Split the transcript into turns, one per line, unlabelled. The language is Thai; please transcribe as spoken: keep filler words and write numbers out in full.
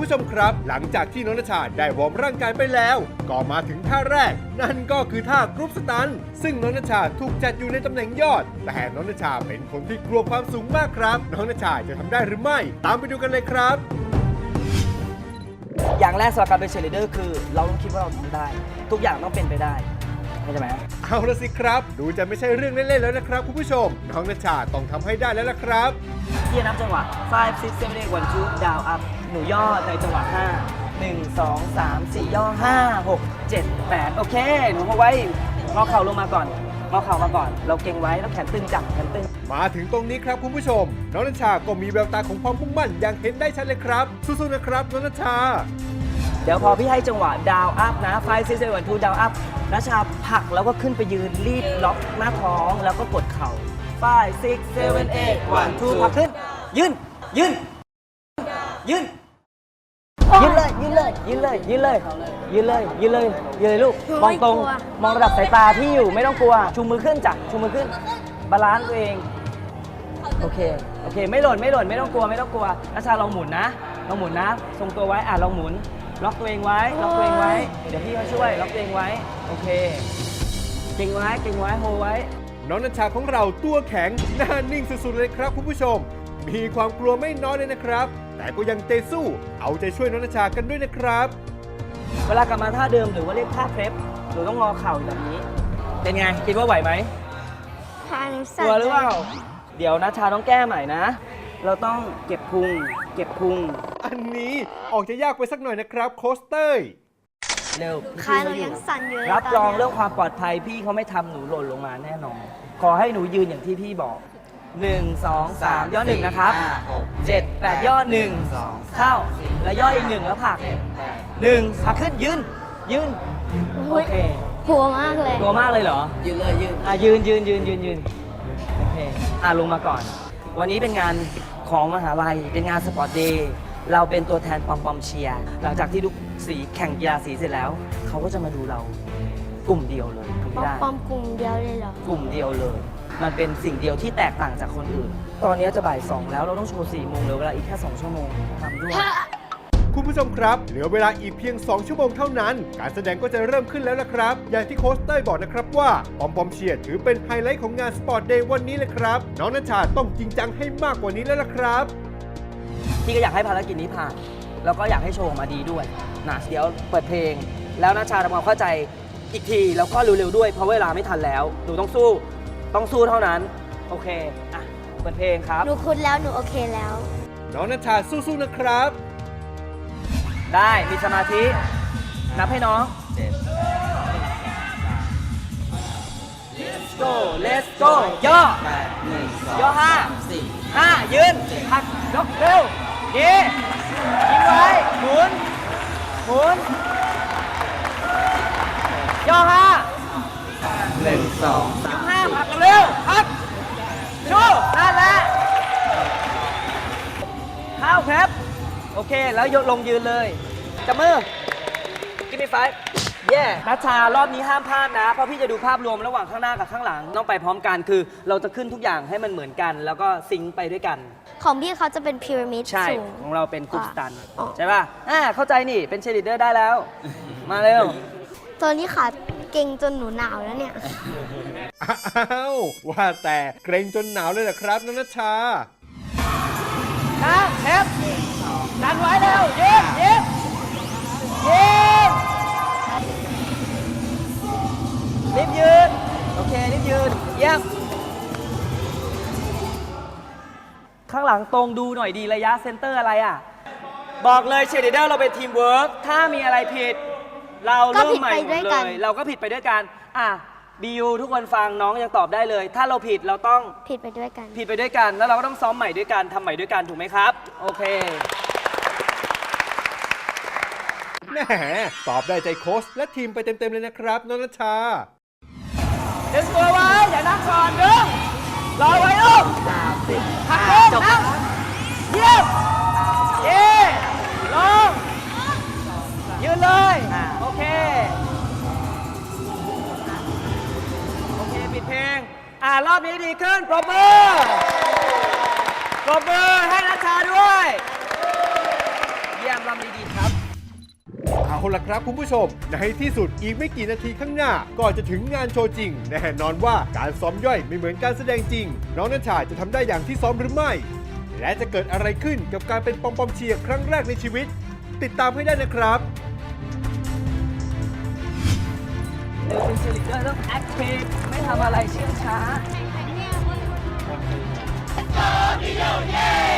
ผู้ชมครับหลังจากที่น้องณชาได้วอร์มร่างกายไปแล้วก็มาถึงท่าแรกนั่นก็คือท่ากรุ๊ปสตันซึ่งน้องณชาถูกจัดอยู่ในตำแหน่งยอดแต่น้องณชาเป็นคนที่กลัวความสูงมากครับน้องณชาจะทำได้หรือไม่ตามไปดูกันเลยครับ
อย่างแรกสำหรับการเป็นเชียร์ลีดเดอร์คือเราต้องคิดว่าเราทำได้ทุกอย่างต้องเป็นไปได้เข้าใจไหม
เอาละสิครับดูจะไม่ใช่เรื่องเล่นๆแล้วนะครับคุณผู้ชมน้องณชาต้องทำให้ได้แล้วละครับ
ที่นับจังหวะfive six seven eight one two down up หนูย่อในจังหวะห้า หนึ่ง สอง สาม สี่ ย่อห้า หก เจ็ด แปดโอเคหนูเอาไว้งอเข่าลงมาก่อนงอเข่ามาก่อนเราเก่งไว้แล้วแขนตึงจับแขนตึง
มาถึงตรงนี้ครับคุณผู้ชมน้องณชาก็มีแววตาของความมุ่งมั่นอย่างเห็นได้ชัดเลยครับสู้ๆนะครับน้องณชา
เดี๋ยวพอพี่ให้จังหวะดาวอัพนะfive six seven one twoดาวอัพณชาผลักแล้วก็ขึ้นไปยืนรีบล็อกหน้าท้องแล้วก็กดเข่าfive six seven eight one twoผลักขึ้นยืนยืนยืนยืนเลยยืนเลยยืนเลยยืนเลยยืนเลยยืนเลยยืนเลยลูกมองตรงมองระดับสายตาที่อยู่ไม่ต้องกลัวชูมือขึ้นจ้ะชูมือขึ้นบาลานซ์ตัวเองโอเคโอเคไม่หล่นไม่หล่นไม่ต้องกลัวไม่ต้องกลัวณชาลองหมุนนะลองหมุนนะทรงตัวไว้อ่ะลองหมุนล็อกตัวเองไว้ล็อกตัวเองไว้เดี๋ยวพี่เขาช่วยล็อกตัวเองไว้โอเคเก่งไว้เก่งไว้โฮไว้
น้องณชาของเราตัวแข็งหน้านิ่งสุดๆเลยครับคุณผู้ชมมีความกลัวไม่น้อยเลยนะครับแต่ก็ยังเตะสู้เอาใจช่วยน้องณชากันด้วยนะครับ
เวลากลับมาท่าเดิมหรือว่าเรียกท่าเพลฟหนูต้องงอเข่าแบบนี้เป็นไงคิดว่าไหวไหมกลัวหรือเปล่าเดี๋ยวณชาต้องแก้ใหม่นะเราต้องเก็บพุงเก็บพุง
อันนี้ออกจะยากไปสักหน่อยนะครับโค้ชเต้ย
เร็ว
ขาหนูยังสั่นอยู่เลย
รับรองเรื่องความปลอดภัยพี่เขาไม่ทำหนูหล่นลงมาแน่นอนขอให้หนูยืนอย่างที่พี่บอกหนึ่ง สอง สามย่อหนึ่งนะครับเจ็ด แปดย่อหนึ่งเข้าแล้วย่ออีกหนึ่งแล้วผลักหนึ่งผลักขึ้นยืนยืนโอเค
กลัวมากเลย
กลัวมากเลยเหรอยืนเลยยืนอ่ะยืนยืนยืนยืนยืนโอเคอ่ะลงมาก่อนวันนี้เป็นงานของมหาลัยเป็นงานสปอร์ตเดย์เราเป็นตัวแทนปอมปอมเชียร์หลังจากที่ทุกสีแข่งกีฬาสีเสร็จแล้วเขาก็จะมาดูเรากลุ่มเดียวเลย
ปอมปอมกลุ่มเดียวเลยเหร
อกลุ่มเดียวเลยมันเป็นสิ่งเดียวที่แตกต่างจากคนอื่นตอนนี้จะบ่ายสองแล้วเราต้องโชว์สี่โมงเหลือเวลาอีกแค่สองชั่วโมงทำด้วย
คุณผู้ชมครับเหลือเวลาอีกเพียงสองชั่วโมงเท่านั้นการแสดงก็จะเริ่มขึ้นแล้วล่ะครับอย่างที่โค้ชเต้ยบอกนะครับว่าปอมปอมเชียร์ถือเป็นไฮไลท์ของงานสปอร์ตเดย์วันนี้เลยครับน้องณชาต้องจริงจังให้มากกว่านี้แล้วล่ะครับ
พี่ก็อยากให้ภารกิจนี้ผ่านแล้วก็อยากให้โชว์ออกมาดีด้วยนะเดี๋ยวเปิดเพลงแล้วณชาทำความเข้าใจอีกทีแล้วก็เร็วๆด้วยเพราะเวลาไม่ทันแล้วหนูต้องสู้ต้องสู้เท่านั้นโอเคอ่ะเปิดเพลงครับ
หนูคุ้นแล้วหนูโอเคแล้ว
น้องณชาสู้ๆนะครับ
ได้มีสมาธินับให้น้อง Let's go Let's go ย่อย่อห้าห้ายืนหักยกเร็วเย่ยิงไว้หมุนหมุนย่อห้าหนึ่งสองสามห้าหักเร็วหักชูนั่นแหละข้าวครับโอเคแล้วยกลงยืนเลยจับมือกินมีไฟเย่นัชชารอบนี้ห้ามพลาดนะเพราะพี่จะดูภาพรวมระหว่างข้างหน้ากับข้างหลังต้องไปพร้อมกันคือเราจะขึ้นทุกอย่างให้มันเหมือนกันแล้วก็ซิงค์ไปด้วยกัน
ของพี่เขาจะเป็นพีระมิด
ใช่ของเราเป็นกรุ๊ปสตันใช่ป่ะอ่าเข้าใจนี่เป็นเชียร์ลีดเดอร์ได้แล้วมาเร็ว
ตอนนี้ขาเก่งจนหนูหนาวแล้วเนี่ย
อ้าวว่าแต่เกรงจนหนาวเลยเหรอครับนัชชา
นะเทปดันไว้เร็วยิงยิงยิงรีบยืนโอเครีบยืนเยี่ยมข้างหลังตรงดูหน่อยดีระยะเซนเตอร์อะไรอ่ะบอกเลยเชียร์ลีดเดอร์เราเป็นทีมเวิร์กถ้ามีอะไรผิดเราเริ่มใหม่หมดเลยเราก็ผิดไปด้วยกันอ่ะบียูทุกคนฟังน้องยังตอบได้เลยถ้าเราผิดเราต้อง
ผิดไปด้วยกัน
ผิดไปด้วยกันแล้วเราก็ต้องซ้อมใหม่ด้วยกันทำใหม่ด้วยกันถูกไหมครับโอเค
แหมตอบได้ใจโค้ชและทีมไปเต็มๆเลยนะครับน้องณชา
ดึงตัวไว้อย่านั่งก่อนดึงรอไว้ลูกหักลงนั่งเยี่ยมเย่ลงยืนเลยโอเคโอเคปิดเพลงอ่ารอบนี้ดีขึ้นปรบมือปรบมือให้ณชาด้วยพี่แอมรำดีๆครับ
เอาล่ะครับคุณผู้ชม ในที่สุดอีกไม่กี่นาทีข้างหน้า ก็จะถึงงานโชว์จริง แน่นอนว่าการซ้อมย่อยไม่เหมือนการแสดงจริง น้องนัชชาจะทำได้อย่างที่ซ้อมหรือไม่ และจะเกิดอะไรขึ้นกับการเป็นปอมปอมเชียร์ครั้งแรกในชีวิต ติดตามให้ได้นะครับ
เดินเป็นเชลิเดอร์ต้องแอคทีฟไม่ทำอะไรเชื่องช้า
Yo, yo, yeah!